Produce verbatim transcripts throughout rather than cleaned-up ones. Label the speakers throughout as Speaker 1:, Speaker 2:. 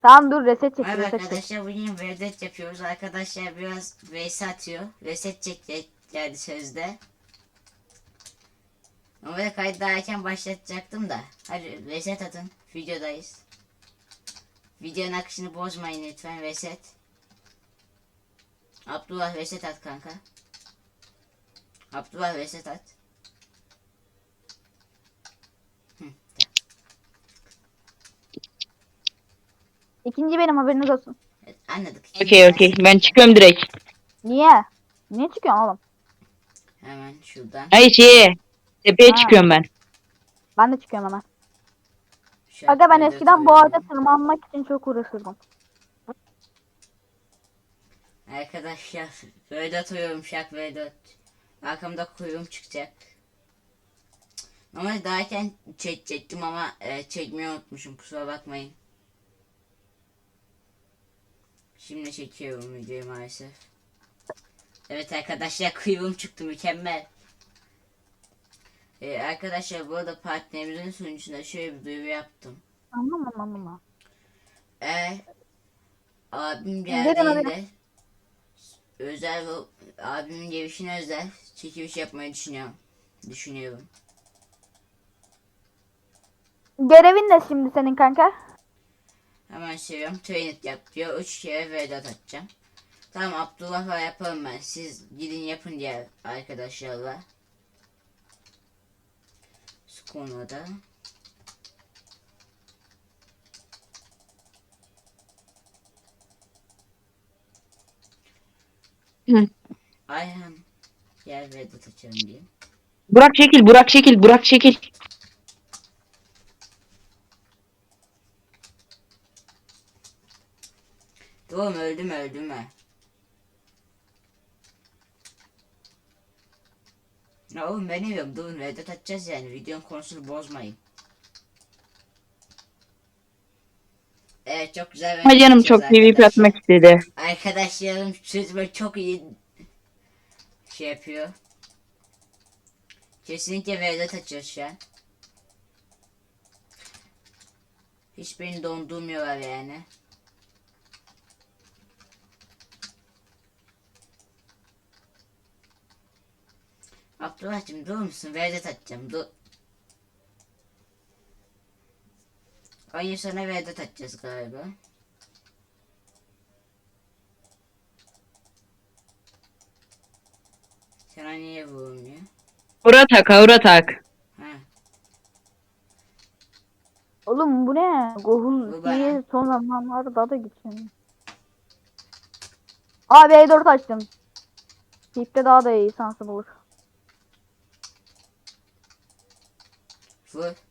Speaker 1: Tamam dur reset çek
Speaker 2: Merhaba
Speaker 1: reset çek.
Speaker 2: arkadaşlar, bugün Vedat yapıyoruz. Arkadaşlar biraz vs atıyor. Reset çek geldi sözde. Normalde kaydı daha erken başlatacaktım da. Hadi reset atın. Videodayız. Videonun akışını bozmayın lütfen. Reset. Abdullah reset at kanka. Abdullah reset at. Hı,
Speaker 1: İkinci benim haberiniz olsun.
Speaker 2: evet, anladık.
Speaker 3: Okey okey. Ben çıkıyorum direkt.
Speaker 1: Niye? Niye çıkıyorsun oğlum?
Speaker 2: Hemen şuradan.
Speaker 3: Hayır şeye. Tepeye
Speaker 1: Ha,
Speaker 3: çıkıyorum ben.
Speaker 1: ben de çıkıyorum hemen.
Speaker 2: Şarkı
Speaker 1: Aga ben
Speaker 2: Vedat
Speaker 1: eskiden bu
Speaker 2: alıyorum.
Speaker 1: ağaca tırmanmak için çok uğraşırdım.
Speaker 2: Arkadaşlar Vedat alıyorum, şak Vedat. Arkamda kuyruğum çıkacak. Normalde daha erken çekecektim ama e, çekmeyi unutmuşum, kusura bakmayın. Şimdi çekiyorum videoyu maalesef. Evet arkadaşlar, kuyruğum çıktı, mükemmel. Ee, arkadaşlar bu arada partnerimizin sunucusunda şöyle bir duyuru yaptım.
Speaker 1: Anlamam anlamam.
Speaker 2: Eğer abim
Speaker 1: Verin oraya.
Speaker 2: geldiğinde özel abimin gelişine özel çekiliş yapmayı düşünüyorum. Düşünüyorum.
Speaker 1: Görevin ne şimdi senin kanka?
Speaker 2: Hemen seviyorum. Trainet yap diyor. Üç kere Vedat atacağım. Tamam, Abdullah'la yaparım ben. Siz gidin yapın diğer arkadaşlarla. Şu konuda.
Speaker 3: Hı.
Speaker 2: Ayhan gel Vedat açalım diyeyim.
Speaker 3: Burak çekil, Burak çekil, Burak çekil.
Speaker 2: Oğlum öldüm öldüm ha. Ya oğlum ben yiyorum, durun Vedat atacağız yani, videonun konusunu bozmayın. Evet, çok güzel
Speaker 3: Ama
Speaker 2: Vedat
Speaker 3: canım
Speaker 2: atacağız
Speaker 3: çok PvP
Speaker 2: arkadaşlar.
Speaker 3: atmak istedi.
Speaker 2: Arkadaşlarım sözüme çok iyi şey yapıyor. Kesinlikle Vedat açacağız şu an. Hiç beni dondurmuyorlar yani. Abdullah'cığım durur musun? Vedat atacağım. Dur. Aynı sana Vedat atacağız galiba. Sana niye vurulmuyor?
Speaker 3: Aura tak, aura tak.
Speaker 2: Ha.
Speaker 1: Oğlum bu ne? Gohul
Speaker 2: Bu bana.
Speaker 1: diye son zamanlarda daha da güçleniyor. Abi E dört açtım. Tipte daha da iyi şansı bulur.
Speaker 2: Vur.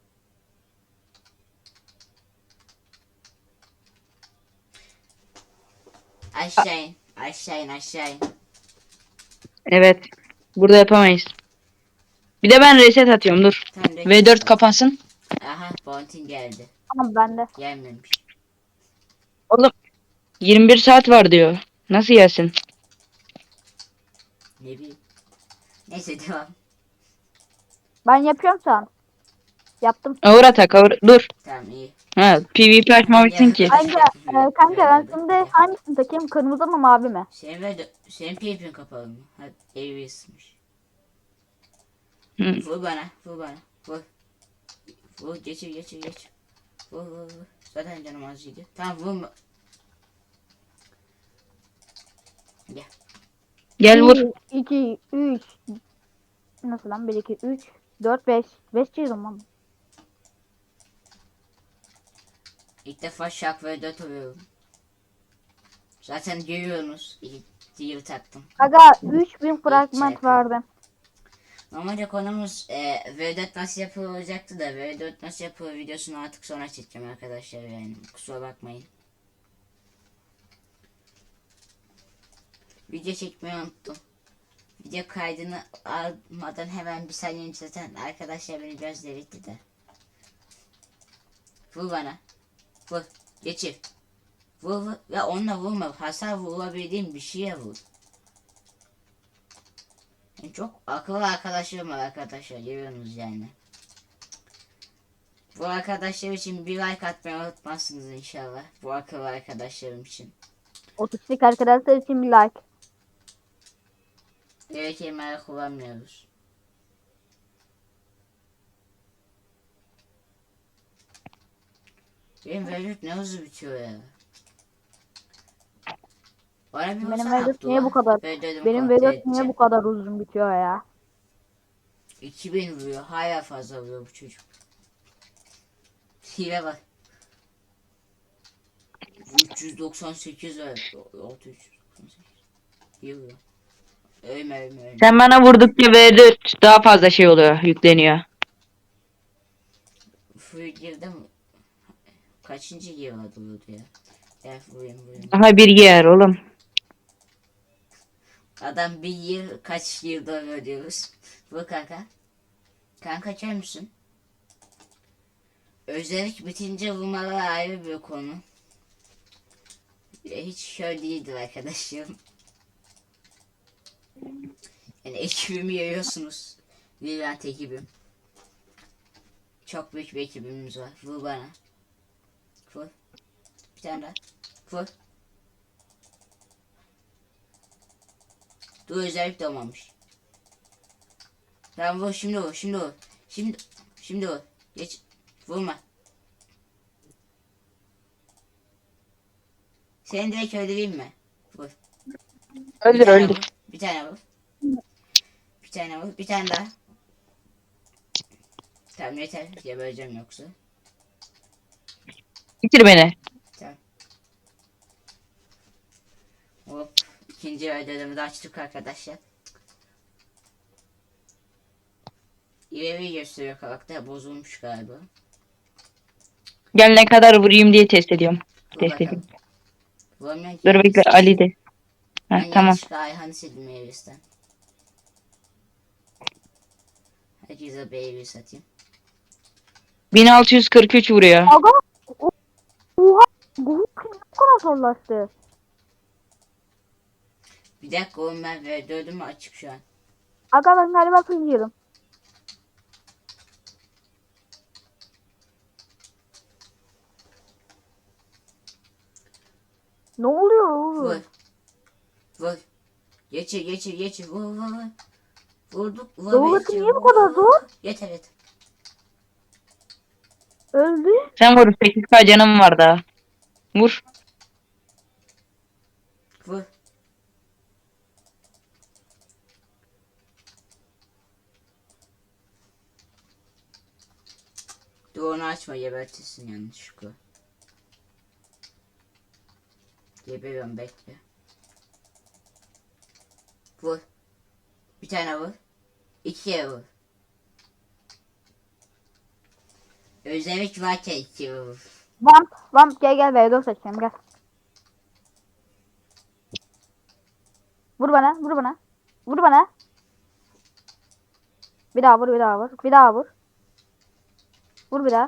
Speaker 2: Aşağı in. Aşağı in aşağı in.
Speaker 3: Evet. Burada yapamayız. Bir de ben reset atıyorum dur.
Speaker 2: Tam reset
Speaker 3: V dört
Speaker 2: at.
Speaker 3: kapansın.
Speaker 2: Aha, Bounty geldi.
Speaker 1: Ama bende.
Speaker 2: Gelmemiş.
Speaker 3: Oğlum yirmi bir saat var diyor. Nasıl gelsin?
Speaker 2: Ne bileyim. Neyse devam.
Speaker 1: Ben yapıyorum şu an. Yaptım.
Speaker 3: Aura tak, aura. Dur.
Speaker 2: Tamam iyi.
Speaker 3: Ha, PvP açmamışsın ki.
Speaker 1: Kanka, e, kanka ben şimdi hangisini takayım? Kırmızı mı mavi mi?
Speaker 2: Senin ve senin P VP'in kapalı mı? Hadi evi ısınmış.
Speaker 3: Hı.
Speaker 2: Vur bana, vur bana. Vur. Vur, geçir, geçir, geçir. Vur, vur, vur. Zaten canım azıydı. Tamam, vurma. Gel.
Speaker 3: Gel vur.
Speaker 1: bir, iki, üç. Nasıl lan? bir, iki, üç, dört, beş. beş çizdim lan.
Speaker 2: İlk defa şak ve dört alıyorum. Zaten görüyorsunuz. İyi, iyi taktım.
Speaker 1: Aga üç bin fragment
Speaker 2: çarpı.
Speaker 1: vardı.
Speaker 2: Normalde konumuz e, V dört nasıl yapılır olacaktı da V dört nasıl yapılır videosunu artık sonra çekeceğim arkadaşlar, yani kusura bakmayın. Video çekmeyi unuttum. Video kaydını almadan hemen bir saniye önce zaten arkadaşlar beni biraz delirtti de. Vur bana. Vur. Geçir. Vur vur. Ya onunla vurma. Hasar vurabildiğim bir şeye vur. Yani çok akıllı arkadaşlarım var arkadaşlar. Görüyorsunuz yani. Bu arkadaşlar için bir like atmayı unutmazsınız inşallah. Bu akıllı arkadaşlarım için.
Speaker 1: Otistik arkadaşlar için bir like.
Speaker 2: Evet, kelimeleri kullanmıyoruz. Benim Velvet ne hızlı bitiyor ya. Bana bir
Speaker 1: Benim
Speaker 2: olsana
Speaker 1: Vedat niye bu
Speaker 2: Abdullah.
Speaker 1: kadar?
Speaker 2: Ben dedim
Speaker 1: Benim
Speaker 2: kontrol
Speaker 1: Vedat niye
Speaker 2: edeceğim.
Speaker 1: bu kadar uzun bitiyor ya?
Speaker 2: iki bin vuruyor. Hala fazla vuruyor bu çocuk. Hile bak. üç yüz doksan sekiz var. altı yüz doksan sekiz. İyi vuruyor. Ölme ölme ölme.
Speaker 3: Sen bana vurdukça V dört daha fazla şey oluyor, yükleniyor.
Speaker 2: Full girdim. Kaçıncı yer vardı orada ya? Gel vurayım vurayım.
Speaker 3: Daha bir yer oğlum.
Speaker 2: Adam bir yıl kaç yılda ödüyoruz. Bu kanka. Kanka açar mısın? Özellik bitince vurmalar ayrı bir konu. E, Hiç şöyle değildir arkadaşlarım. Yani ekibimi görüyorsunuz. Virant ekibim. Çok büyük bir ekibimiz var. Vur bana. Vur. Bir tane daha. Vur. Dur, özellik de olmamış. Tamam vur, şimdi vur, şimdi vur. Şimdi, şimdi vur. Geç. Vurma. Seni direkt öldüreyim mi? Vur. Bir
Speaker 3: Öldür
Speaker 2: tane
Speaker 3: öldür.
Speaker 2: vur. Bir tane vur. Bir tane vur. Bir tane daha. Tamam yeter. Gebereceğim yoksa.
Speaker 3: Bitir beni.
Speaker 2: Tamam. Hop. İkinci ödevimi de açtık arkadaşlar. İleri gösteriyor karakter. Bozulmuş galiba.
Speaker 3: Gel ne kadar vurayım diye test ediyorum.
Speaker 2: Dur
Speaker 3: Test
Speaker 2: bakalım.
Speaker 3: edeyim.
Speaker 2: Bulamıyorum ki.
Speaker 3: Dur bekle Ali de. Heh,
Speaker 2: Ben
Speaker 3: tamam.
Speaker 2: yanlışlıkla Ayhan'ı sildim Evis'ten. Herkese bir Evis satayım.
Speaker 3: bin altı yüz kırk üç vuruyor.
Speaker 1: Aga o- oha bu kim bu kadar zorlaştı?
Speaker 2: Bir dakika oğlum, ben ve dördüm mü açık şu an.
Speaker 1: Aga ben galiba kıyıyorum. Ne oluyor
Speaker 2: Vur.
Speaker 1: oğlum?
Speaker 2: Vur. Geçir geçir geçir. Vur vur vur. Vurduk. Vur
Speaker 1: Doğrusu
Speaker 2: geçir,
Speaker 1: niye bu
Speaker 2: vur,
Speaker 1: kadar
Speaker 2: vur,
Speaker 1: zor?
Speaker 2: vur. Yeter yeter.
Speaker 1: Öldü.
Speaker 3: Sen vur, sekiz K canım var daha. Vur.
Speaker 2: Vur. Dur, onu açma, gebertirsin yanlışlıkla. Geberiyorum, bekle. Vur. Bir tane vur. İkiye vur. Özellik varken ikiye vur.
Speaker 1: Vamp, vamp gel gel Vedat seçeceğim gel. Vur bana, vur bana. Vur bana. Bir daha vur, bir daha vur. Bir daha vur. Vur bir daha.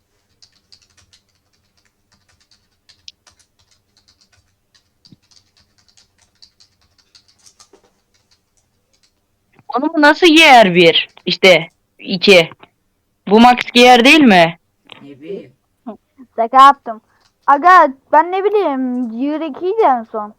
Speaker 3: Onu bu nasıl giyer bir? İşte iki. Bu max giyer değil mi?
Speaker 2: Ne bileyim.
Speaker 1: Şaka yaptım. Aga ben ne bileyim Gear ikiydi en son.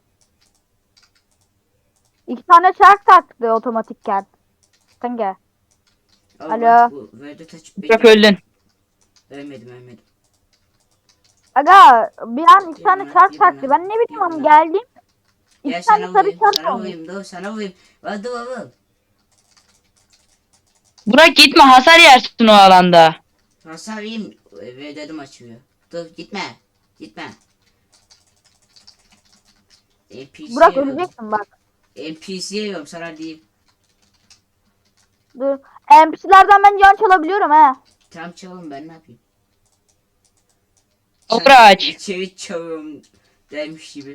Speaker 1: İki tane çark taktı otomatikken. Sen gel.
Speaker 2: Allah,
Speaker 1: Alo.
Speaker 2: bu Vedat açıp
Speaker 3: Çok
Speaker 2: beni.
Speaker 3: öldün.
Speaker 2: Ölmedim ölmedim.
Speaker 1: Aga bir an iki
Speaker 2: Bir
Speaker 1: tane
Speaker 2: buna,
Speaker 1: çark
Speaker 2: bir
Speaker 1: taktı.
Speaker 2: buna,
Speaker 1: Ben ne
Speaker 2: bir
Speaker 1: bileyim ama
Speaker 2: buna.
Speaker 1: geldim.
Speaker 2: Gel
Speaker 1: İki tane
Speaker 2: sana
Speaker 1: sarı
Speaker 2: vurayım,
Speaker 1: çark
Speaker 2: sana
Speaker 1: olmuş.
Speaker 2: vurayım, dur sana vurayım. Hadi vur.
Speaker 3: Burak gitme, hasar yersin o alanda.
Speaker 2: Hasar yiyeyim ve dedim açılıyor. Dur gitme. Gitme. N P C
Speaker 1: Burak
Speaker 2: yiyorum.
Speaker 1: öleceksin bak.
Speaker 2: N P C yiyorum sana diyeyim.
Speaker 1: Dur. N P C'lerden ben can çalabiliyorum he.
Speaker 2: Tam çalın, ben ne yapayım?
Speaker 3: Burak.
Speaker 2: İçeri çalıyorum demiş gibi.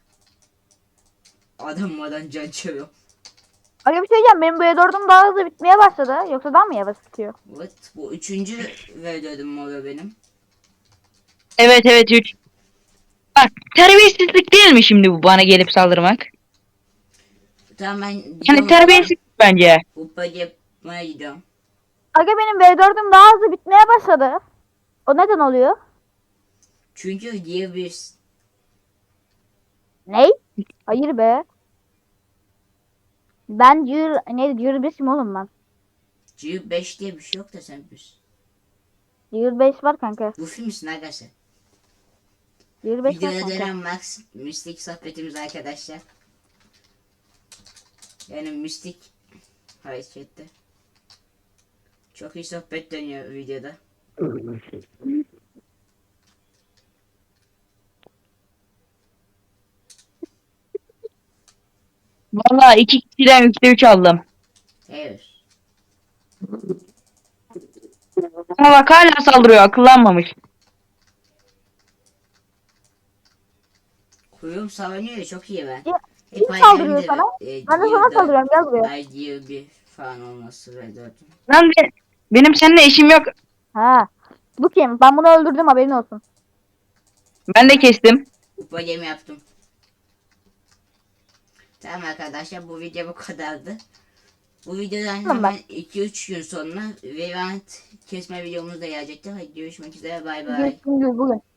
Speaker 2: Adammadan can çalıyor.
Speaker 1: Aga bir şey diyeceğim. Benim bu E dördüm daha hızlı bitmeye başladı. Yoksa daha mı yavaş bitiyor?
Speaker 2: Evet, bu üçüncü ve dedim oluyor benim.
Speaker 3: Evet evet üç. Bak terbiyesizlik değil mi şimdi bu bana gelip saldırmak?
Speaker 2: Tamam, ben
Speaker 3: Yani
Speaker 2: gidiyorum.
Speaker 3: terbiyesizlik bence.
Speaker 2: Kupa yapmaya gidiyorum.
Speaker 1: Aga benim V dördüm daha hızlı bitmeye başladı. O neden oluyor?
Speaker 2: Çünkü diye bir
Speaker 1: Ney? Hayır be. Ben Jür neydi? Jür beşim oğlum ben.
Speaker 2: G beş diye bir şey yok da sen bir.
Speaker 1: Jür beş var kanka.
Speaker 2: Bu film misin arkadaşlar?
Speaker 1: Jür beş var
Speaker 2: Videoda
Speaker 1: kanka.
Speaker 2: dönen Max Mystic sohbetimiz arkadaşlar. Yani Mystic harekette. Çok iyi sohbet dönüyor videoda.
Speaker 3: Valla iki kişiden üçte üç aldım.
Speaker 2: Evet.
Speaker 3: Ama bak hala saldırıyor, akıllanmamış.
Speaker 2: Kuyum savunuyor ya, çok iyi ben.
Speaker 1: Ya,
Speaker 2: Hep
Speaker 1: kim saldırıyor
Speaker 2: hayalimdi
Speaker 1: sana?
Speaker 2: e,
Speaker 1: Ben de sana
Speaker 2: Gear'da
Speaker 1: saldırıyorum, gel buraya.
Speaker 2: ay Gear bir falan olması ve dört.
Speaker 3: Lan be- benim seninle işim yok.
Speaker 1: Ha. Bu kim? Ben bunu öldürdüm, haberin olsun.
Speaker 3: Ben de kestim.
Speaker 2: Kupa gemi yaptım. Tamam arkadaşlar, bu video bu kadardı. Bu videodan
Speaker 1: Tamam,
Speaker 2: hemen iki üç gün sonra Vivant kesme videomuz da gelecektir. Hadi görüşmek üzere, bay bay.
Speaker 1: Görüşürüz bugün.